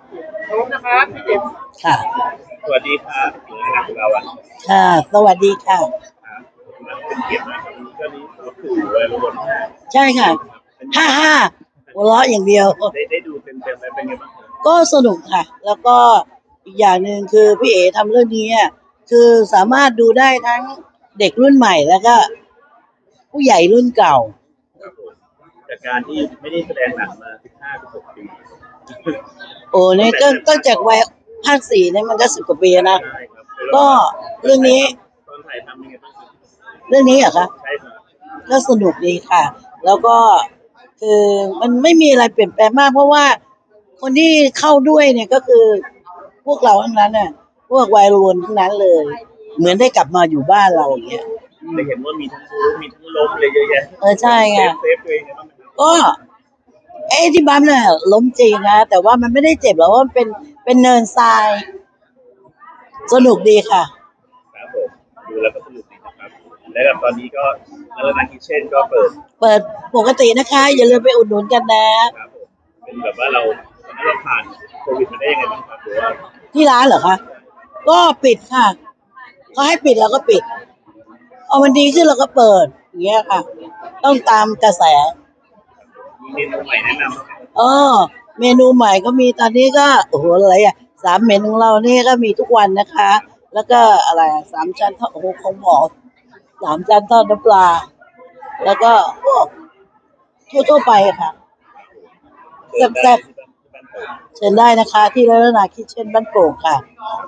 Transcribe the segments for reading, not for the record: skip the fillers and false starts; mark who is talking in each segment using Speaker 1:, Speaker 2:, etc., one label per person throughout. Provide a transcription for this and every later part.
Speaker 1: พร้อมนะครับพี่ติ๋ม
Speaker 2: ค่ะ
Speaker 3: สวัสดีครับหน่วยงานของเราอ่ะ
Speaker 2: ค่ะสวัสดีค่ะ
Speaker 3: ครับเป็นเกียรติมากครับก็นี้ก็คือวัยรุ่น
Speaker 2: ใช่ค่ะฮ่าหัวเราะอย่างเดียว
Speaker 3: ได้ดูเต็มแล้วเป็นไงบ้างครับ
Speaker 2: ก็สนุกค่ะ แล้วก็อีกอย่างหนึ่งคือพี่เอ๋ทำเรื่องนี้คือสามารถดูได้ทั้งเด็กรุ่นใหม่แล้วก็ผู้ใหญ่รุ่นเก่า
Speaker 3: ครับผมจากการที่ไม่ได้แสดงหนังมา15-16 ปี
Speaker 2: โอ้เนี่ยก็จากวัย54เนี่ยมันก็10 กว่าปีนะ
Speaker 3: ใช่ครับ
Speaker 2: ก็เรื่องนี้
Speaker 3: ตอนถ่ายทำเป็นไงบ้างครับ
Speaker 2: เรื่องนี้เหรอคะ
Speaker 3: ใช่ครับ
Speaker 2: ก็สนุกดีค่ะ แล้วก็คือมันไม่มีอะไรเปลี่ยนแปลงมากเพราะว่าคนที่เข้าด้วยเนี่ยก็คือพวกเราทั้งนั้นน่ะพวกวัยรุ่นทั้งนั้นเลย เหมือนได้กลับมาอยู่บ้านเราอย่างเงี้ย
Speaker 3: ได้เห็นว่ามีทั้งบู๊มีทั้งล้มเลยเยอะแยะ
Speaker 2: ใช่ไง
Speaker 3: เซฟตัวเองไงบ้างครับ
Speaker 2: ก็ที่บัมเนี่ยล้มจริงนะแต่ว่ามันไม่ได้เจ็บหรอกว่ามันเป็นเนินทรายสนุกดีค่ะ
Speaker 3: ครับผมดูแล้วก็สนุกดีนะครับและกับตอนนี้ก็นาคิเช่นก็เปิด
Speaker 2: ปกตินะคะอย่าลืมไปอุดหนุนกันนะครับ
Speaker 3: ผมเป็นแบบว่าเราผ่านโควิดมาได้ยังไงบ้างครับหรือว่า
Speaker 2: ที่ร้านเหรอคะก็ปิดค่ะเขาให้ปิดเราก็ปิดเอามันดีขึ้นเราก็เปิดอย่างเงี้ยค่ะต้องตามกระแส
Speaker 3: มีเมนูใหม่แนะนำไหม
Speaker 2: เออเมนูใหม่ก็มีตอนนี้ก็โอ้โหอะไร3 เมนูของเรานี่ก็มีทุกวันนะคะแล้วก็อะไร3 ชั้นทอดโอ้โหของหมอ3 ชั้นทอดน้ำปลาแล้วก็พวกทั่วไปค่ะแซ่บๆเชิญได้นะคะที่ร้านนาคิเช่นบ้านโป่งค่ะ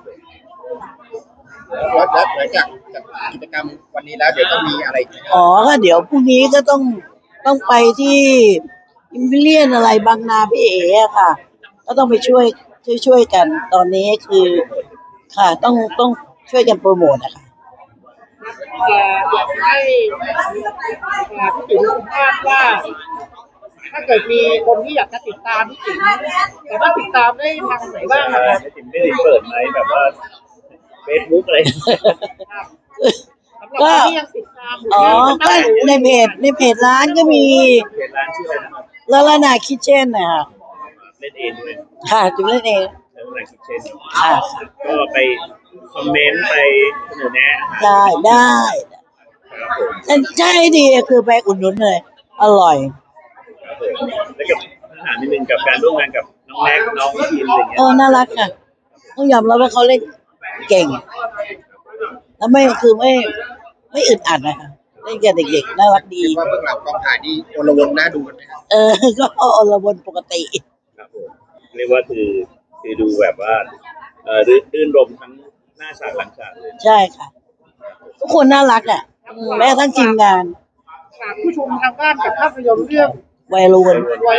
Speaker 1: แล้วหลังจากกิจกรรมวันนี้แล้วเดี๋ยวต้องมีอะไร
Speaker 2: ก็เดี๋ยวพรุ่งนี้ก็ต้องไปที่อิมพีเรียนอะไรบางนาพี่เอ๋ค่ะก็ต้องไปช่วยกันตอนนี้คือค่ะต้องช่วยกันโปรโมทนะคะ
Speaker 1: อยากให้พี่ติ๋มทราบว่าถ้าเกิดมีคนที่อยากจะติดตามพี่ติ๋มแต่ว่าติดตามได้ทางไหนบ้างครับ
Speaker 3: ไม่ได้เปิดไหมแบบว่าเฟซบุ๊กอะไร
Speaker 2: ก็ก็ในเพจร้านก็มี
Speaker 3: เพจร้านชื่ออะไรนะครับ
Speaker 2: แล้วร้านนาคิเช่นนะคะ
Speaker 3: เล่นเองด้วย
Speaker 2: ค่ะจุ๋มเล่นเอง
Speaker 3: แล้วนาคิเช่น
Speaker 2: ค่ะ
Speaker 3: ก็ไปคอมเมนต์ไปเสนอแนะ
Speaker 2: ได้ใช่ดีคือไปอุ่นนุนเลยอร่อย
Speaker 3: แล้วกับอาหารนิดนึงกับการร่วมงานกับน้องแม็กน้องทีมอะไรเงี้ย
Speaker 2: น่ารักค่ะต้องยอมรับว่าเขาเล่นเก่งแล้วไม่อึดอัดนะคะเล่นกับเด็กๆน่ารักดี
Speaker 1: ว่าเบื้องหลังกองถ่ายนี่โอลวนน่าดูกันไหมครับ
Speaker 2: ก็โอลวนปกติ
Speaker 3: ครับผมเรียกว่าคือดูแบบว่ารื่นรมทั้งหน้าฉากหลังฉากเลย
Speaker 2: ใช่ค่ะทุกคนน่ารักแม้ทั้งทีมงาน
Speaker 1: ผู้ชมทางบ้านกับภาพยนตร์เรื่อง
Speaker 2: วัยรุ่น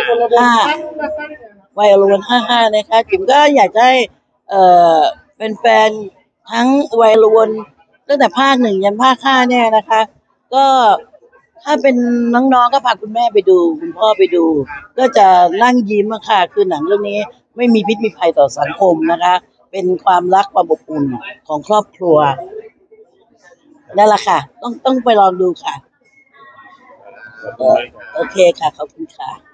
Speaker 2: 55นะคะจิ๋มก็อยากให้เป็นแฟนทั้งวัยรุ่นตั้งแต่ภาค 1ยันภาค 5เนี่ยนะคะก็ถ้าเป็นน้องๆก็พาคุณแม่ไปดูคุณพ่อไปดูก็จะนั่งยิ้มค่ะคือหนังเรื่องนี้ไม่มีพิษมีภัยต่อสังคมนะคะเป็นความรักความอบอุ่นของครอบครัวนั่นแหละค่ะต้องไปลองดูค่ะโอเคค่ะขอบคุณค่ะ